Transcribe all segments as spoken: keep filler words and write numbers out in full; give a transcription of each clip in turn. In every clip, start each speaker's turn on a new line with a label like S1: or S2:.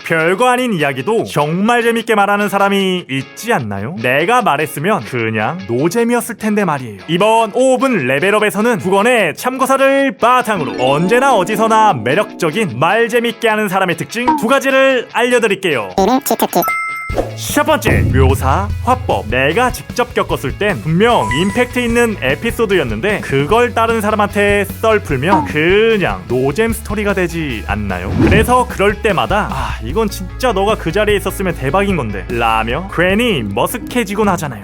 S1: 별거 아닌 이야기도 정말 재밌게 말하는 사람이 있지 않나요? 내가 말했으면 그냥 노잼이었을 텐데 말이에요. 이번 오 분 레벨업에서는 국어의 참고서를 바탕으로 언제나 어디서나 매력적인 말 재밌게 하는 사람의 특징 두 가지를 알려드릴게요. 첫 번째, 묘사, 화법. 내가 직접 겪었을 땐 분명 임팩트 있는 에피소드였는데 그걸 다른 사람한테 썰 풀면 그냥 노잼 스토리가 되지 않나요? 그래서 그럴 때마다 아 이건 진짜 너가 그 자리에 있었으면 대박인 건데 라며 괜히 머쓱해지곤 하잖아요.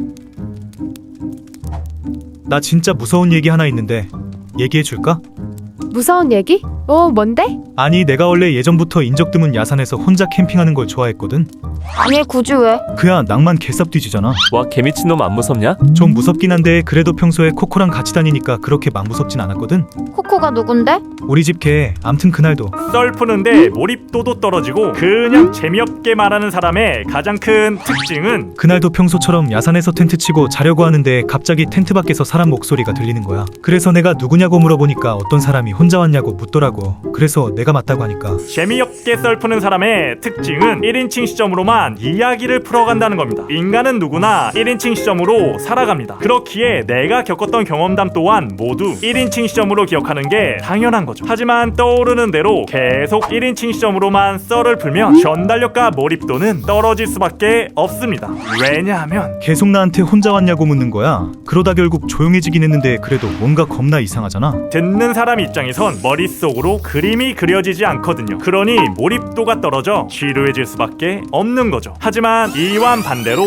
S2: 나 진짜 무서운 얘기 하나 있는데 얘기해줄까?
S3: 무서운 얘기? 어, 뭔데?
S2: 아니 내가 원래 예전부터 인적 드문 야산에서 혼자 캠핑하는 걸 좋아했거든.
S4: 아니 굳이 왜?
S2: 그야 낭만 개쌉 뒤지잖아.
S5: 와 개미친놈 안 무섭냐?
S2: 좀 무섭긴 한데 그래도 평소에 코코랑 같이 다니니까 그렇게 막 무섭진 않았거든.
S4: 코코가 누군데?
S2: 우리 집 개. 암튼 그날도
S1: 썰 푸는데 몰입도도 떨어지고 그냥 재미없게 말하는 사람의 가장 큰 특징은
S2: 그날도 평소처럼 야산에서 텐트 치고 자려고 하는데 갑자기 텐트 밖에서 사람 목소리가 들리는 거야. 그래서 내가 누구냐고 물어보니까 어떤 사람이 혼자 왔냐고 묻더라고. 그래서 내가 맞다고 하니까
S1: 재미없게 썰 푸는 사람의 특징은 일 인칭 시점으로만 이야기를 풀어간다는 겁니다. 인간은 누구나 일 인칭 시점으로 살아갑니다. 그렇기에 내가 겪었던 경험담 또한 모두 일 인칭 시점으로 기억하는 게 당연한 거죠. 하지만 떠오르는 대로 계속 일 인칭 시점으로만 썰을 풀면 전달력과 몰입도는 떨어질 수밖에 없습니다. 왜냐하면
S2: 계속 나한테 혼자 왔냐고 묻는 거야. 그러다 결국 조용해지긴 했는데 그래도 뭔가 겁나 이상하잖아.
S1: 듣는 사람 입장에선 머릿속으로 그림이 그려지지 않거든요. 그러니 몰입도가 떨어져 지루해질 수밖에 없는 거죠. 하지만 이와 반대로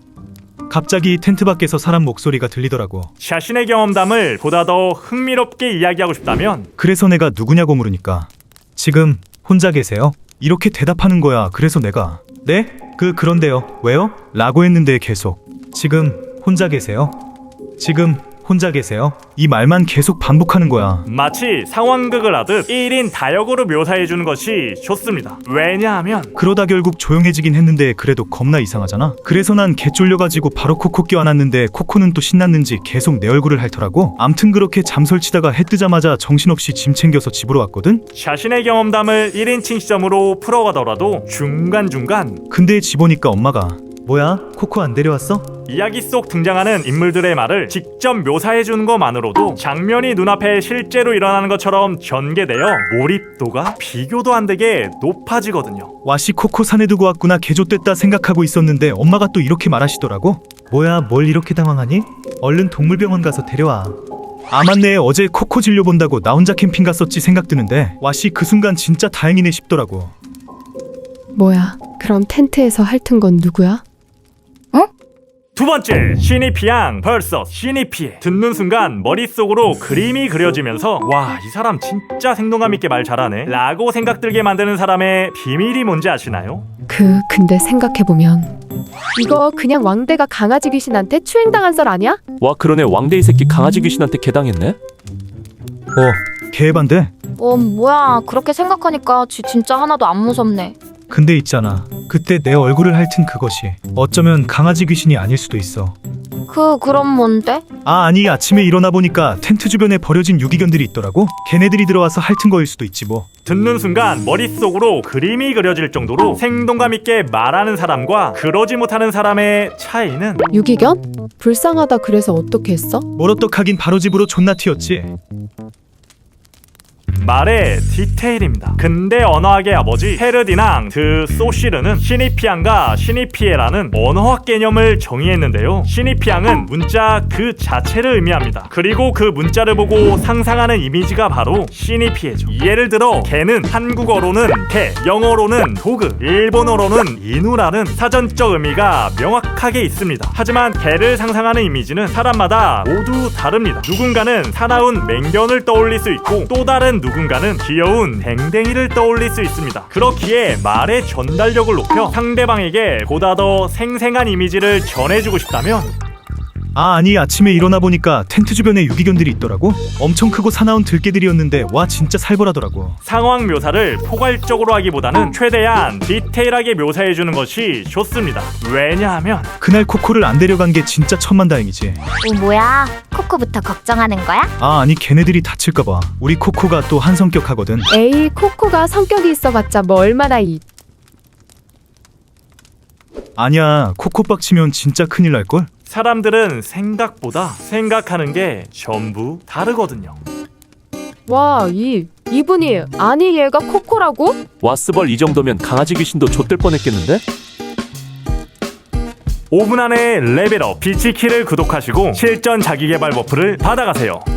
S2: 갑자기 텐트 밖에서 사람 목소리가 들리더라고.
S1: 자신의 경험담을 보다 더 흥미롭게 이야기하고 싶다면
S2: 그래서 내가 누구냐고 물으니까 지금 혼자 계세요? 이렇게 대답하는 거야. 그래서 내가 네? 그 그런데요. 왜요? 라고 했는데 계속 지금 혼자 계세요? 지금 혼자 계세요? 이 말만 계속 반복하는 거야.
S1: 마치 상황극을 하듯 일 인 다역으로 묘사해주는 것이 좋습니다. 왜냐하면
S2: 그러다 결국 조용해지긴 했는데 그래도 겁나 이상하잖아. 그래서 난 개 쫄려가지고 바로 코코 껴안았는데 코코는 또 신났는지 계속 내 얼굴을 핥더라고. 암튼 그렇게 잠설치다가 해 뜨자마자 정신없이 짐 챙겨서 집으로 왔거든.
S1: 자신의 경험담을 일 인칭 시점으로 풀어가더라도 중간중간
S2: 근데 집 오니까 엄마가 뭐야? 코코 안 데려왔어?
S1: 이야기 속 등장하는 인물들의 말을 직접 묘사해주는 것만으로도 장면이 눈앞에 실제로 일어나는 것처럼 전개되어 몰입도가 비교도 안 되게 높아지거든요.
S2: 와씨 코코 산에 두고 왔구나 개좆됐다 생각하고 있었는데 엄마가 또 이렇게 말하시더라고. 뭐야 뭘 이렇게 당황하니? 얼른 동물병원 가서 데려와. 아 맞네 어제 코코 진료 본다고 나 혼자 캠핑 갔었지 생각 드는데 와씨 그 순간 진짜 다행이네 싶더라고.
S3: 뭐야, 그럼 텐트에서 핥은 건 누구야?
S1: 두 번째, 시니피양 vs 시니피에. 듣는 순간 머릿속으로 그림이 그려지면서 와, 이 사람 진짜 생동감 있게 말 잘하네 라고 생각 들게 만드는 사람의 비밀이 뭔지 아시나요?
S3: 그, 근데 생각해보면 이거 그냥 왕대가 강아지 귀신한테 추행당한 썰 아니야?
S5: 와 그러네 왕대 이 새끼 강아지 귀신한테 개당했네?
S2: 어 개반데?
S4: 어 뭐야 그렇게 생각하니까 지 진짜 하나도 안 무섭네.
S2: 근데 있잖아 그때 내 얼굴을 핥은 그것이 어쩌면 강아지 귀신이 아닐 수도 있어.
S4: 그 그럼 뭔데?
S2: 아 아니 아침에 일어나 보니까 텐트 주변에 버려진 유기견들이 있더라고. 걔네들이 들어와서 핥은 거일 수도 있지 뭐.
S1: 듣는 순간 머릿속으로 그림이 그려질 정도로 생동감 있게 말하는 사람과 그러지 못하는 사람의 차이는
S3: 유기견? 불쌍하다 그래서 어떻게 했어?
S2: 뭘 어떡하긴 바로 집으로 존나 튀었지.
S1: 말의 디테일입니다. 근대 언어학의 아버지 페르디낭 드 소시르는 시니피앙과 시니피에라는 언어학 개념을 정의했는데요. 시니피앙은 문자 그 자체를 의미합니다. 그리고 그 문자를 보고 상상하는 이미지가 바로 시니피에죠. 예를 들어 개는 한국어로는 개, 영어로는 도그, 일본어로는 이누라는 사전적 의미가 명확하게 있습니다. 하지만 개를 상상하는 이미지는 사람마다 모두 다릅니다. 누군가는 사나운 맹견을 떠올릴 수 있고 또 다른 누군가는 귀여운 댕댕이를 떠올릴 수 있습니다. 그렇기에 말의 전달력을 높여 상대방에게 보다 더 생생한 이미지를 전해주고 싶다면
S2: 아 아니 아침에 일어나 보니까 텐트 주변에 유기견들이 있더라고. 엄청 크고 사나운 들개들이었는데 와 진짜 살벌하더라고.
S1: 상황 묘사를 포괄적으로 하기보다는 최대한 디테일하게 묘사해주는 것이 좋습니다. 왜냐하면
S2: 그날 코코를 안 데려간 게 진짜 천만다행이지.
S4: 어 뭐야 코코부터 걱정하는 거야?
S2: 아 아니 걔네들이 다칠까봐. 우리 코코가 또 한 성격 하거든.
S3: 에이, 코코가 성격이 있어봤자 뭐 얼마나 이...
S2: 아니야, 코코박 치면 진짜 큰일 날걸?
S1: 사람들은 생각보다 생각하는 게 전부 다르거든요.
S3: 와, 이 이분이 아니 얘가 코코라고?
S5: 와스벌 이 정도면 강아지 귀신도 좆될 뻔했겠는데?
S1: 오 분 안에 레벨업 비치키를 구독하시고 실전 자기개발 버프를 받아가세요.